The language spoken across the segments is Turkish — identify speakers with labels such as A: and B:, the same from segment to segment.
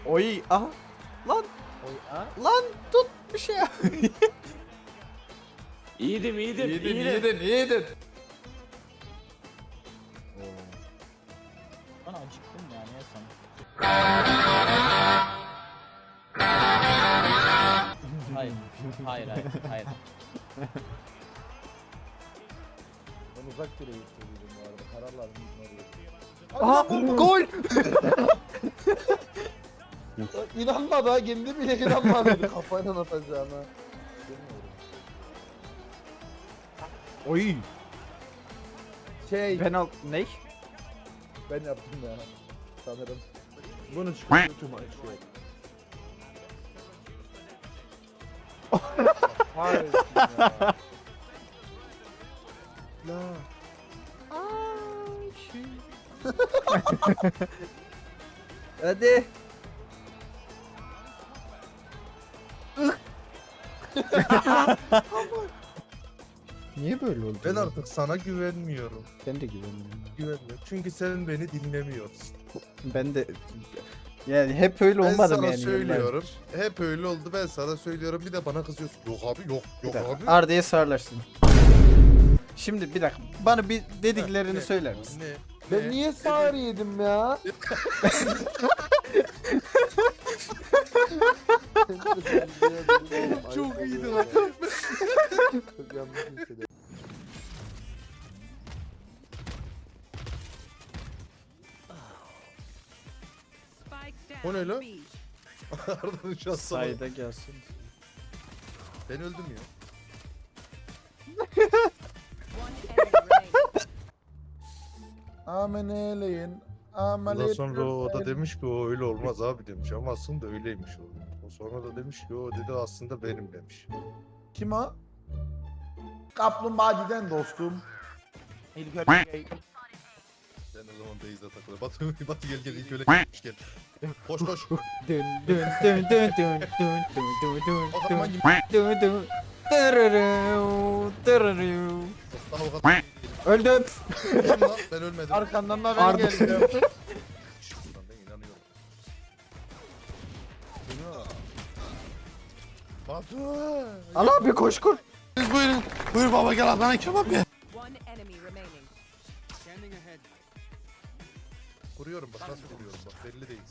A: Oy aha. Lan
B: Oy a.
A: lan tut bir şey yap.
C: İyiydim.
A: Yedin.
B: Ben acıktım ya niye sana? Hayır. Hayır.
D: Ben uzak direği istiyordum bu arada. Kararlar
A: Aha gol.
D: İnanmadı ha, kendi bile inanmadı kafayla atacağına. Bilmiyorum.
A: Oy.
D: Şey,
A: Penaltı ne?
D: ben yaptım ya. Sanırım. Bunu çıkarttım tüm maç yok. Hayır ya. La.
A: Hadi. Niye böyle oldu?
E: Ben artık sana güvenmiyorum.
A: Ben de güvenmiyorum.
E: Güvenmiyorum. Çünkü sen beni dinlemiyorsun.
A: Ben de yani hep öyle
E: Ben
A: olmadım
E: sana
A: yani.
E: söylüyorum. Hep öyle oldu, ben sana söylüyorum. Bir de bana kızıyorsun. Yok abi, yok
A: Bir dakika,
E: abi.
A: Arda'ya sağırlaştın. Şimdi bir dakika. Bana bir dediklerini
E: Ne?
A: söyler misin?
E: Ne?
D: Ben
E: Ne?
D: niye sağır yedim ya?
E: Çok iyiydi lan.
D: Çok yanlış hissediyorum.
E: O ne lan? Arda'nın şansı.
A: Sayda gelsin.
E: Ben öldüm ya.
D: Amen eyleyin.
E: Ondan
D: Ameliyat
E: sonra o da
D: gösterin.
E: demiş ki o öyle olmaz abi demiş. Ama aslında öyleymiş o. O sonra da demiş ki o dedi aslında benim demiş.
D: Kim o? Kaplumbağacıdan dostum.
E: Sen o zaman Beyza takılır. Batı gel ilk öyle gel. Koş koş.
A: Dün dün dün dün dün dün dün dün dün
E: Bakalım hangi
A: dün dün. Tırırıv, tırırıv.
E: daha o kadar.
A: Öldüm.
E: Kim lan? Ben ölmedim.
D: Arkandan da ben
A: Arda.
D: geldim.
E: Şuradan ben inanıyorum. Batu.
A: Al abi koş kur.
E: Buyurun. Buyur baba gel ablana kebap ye. Kuruyorum bak nasıl kuruyorum bak belli değil.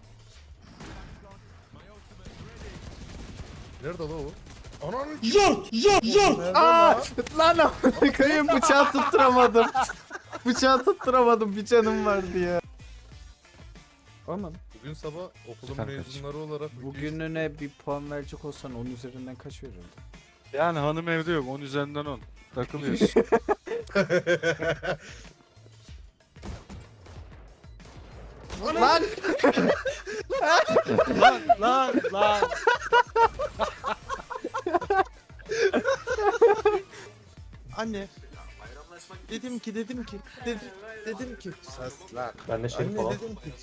E: Nerede lan o? Ananı
A: Aa, lan amına koyayım bıçağı tutturamadım. Bıçağı tutturamadım, bir canım vardı ya. Aman.
E: Bugün sabah okulun
A: Kanka,
E: mezunları olarak
A: Bugününe bir puan verecek olsan 10 üzerinden kaç verirdin?
C: Yani hanım evde yok. 10 üzerinden 10. Takılıyorsun.
A: Lan!
C: lan.
E: Anne. Dedim ki dedim ki sesler.
F: Ben de şey
E: Anne
F: falan.
E: dedim ki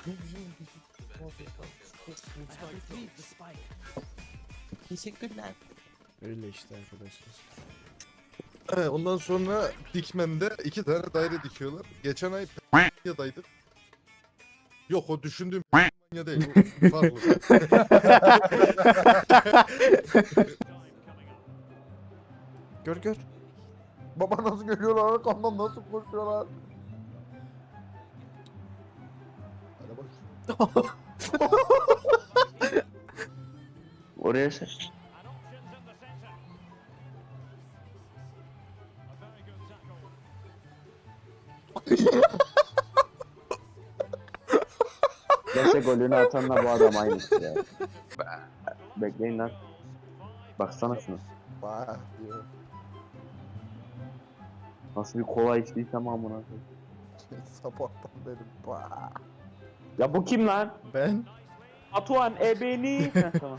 E: teşekkürler.
A: Öyle işte arkadaşlar.
E: Ondan sonra Dikmen'de 2 tane daire dikiyorlar. Geçen ay Ya'daydık. Yok o düşündüğüm ya değil. Bu farklı.
A: Gör.
D: Baba nasıl görüyorlar, arkamdan nasıl koşuyorlar. Hadi bak.
F: Oraya sen. Neyse golünü atanla bu adam aynısı ya. Bekleyin lan. Baksana şunu.
D: Bah diyor.
F: Nasıl bir kola içtiysem amına koyayım.
D: Sabahtan beri bah.
F: Ya bu kim lan?
A: Ben.
F: Atuan ebeni. Heh, tamam.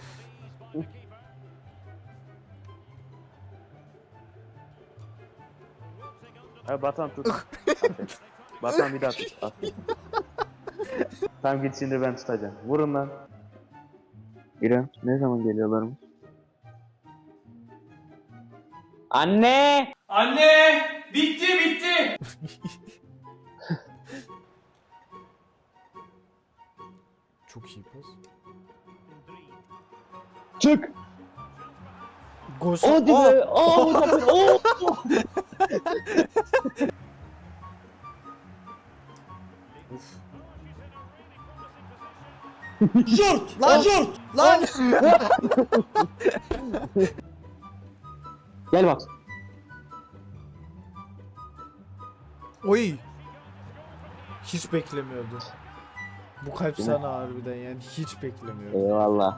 F: Batan tut. Aferin. Batan bir daha tut. Aferin. Tam git şimdi ben tutacağım. Vurun lan. İrem ne zaman geliyorlarmış? Anne!
G: Anne! Bitti!
A: Çok iyi pas.
F: Çık.
A: Gos.
F: Hadi be. Aa Muzaffer. Oo.
A: Lan! Lan!
F: Gel bak.
A: Oy! Hiç beklemiyordum. Bu kalp sana harbiden yani hiç beklemiyordum.
F: Eyvallah.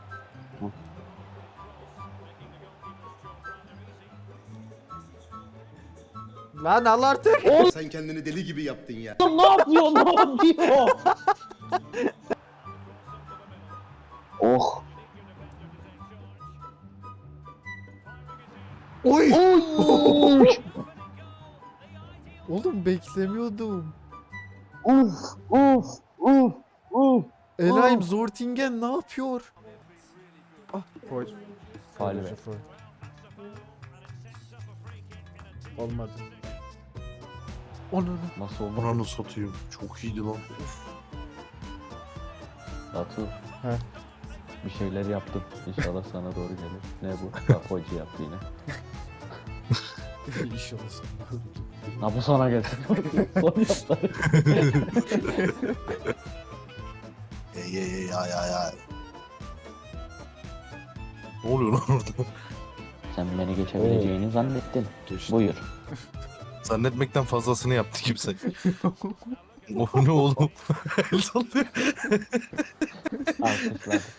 A: Lan al artık.
H: Sen kendini deli gibi yaptın ya.
F: Ne yapıyor? Ne yapıyor? Oh.
A: Oy!
F: Oy.
A: Oğlum beklemiyordum.
F: Uf. Uf. Uf. Uf.
A: Elaim Zortingen ne yapıyor? Ah, foul.
F: Faul be.
A: Foul. Olmadı. Onu.
F: Nasıl oldu?
E: Buranı satayım. Çok iyiydi lan.
F: Batu.
A: He.
F: Bir şeyler yaptım. İnşallah sana doğru gelir. Ne bu? Bak hoca yaptı yine.
A: İş olsun.
F: Ha bu sana gelsin. Son yaptı.
E: Ay. Ne oluyor lan orada?
F: Sen beni geçebileceğini zannettin.
E: Geçti.
F: Buyur.
E: Zannetmekten fazlasını yaptı kimse. O ne oğlum? El sallıyor.
F: Alkışlar.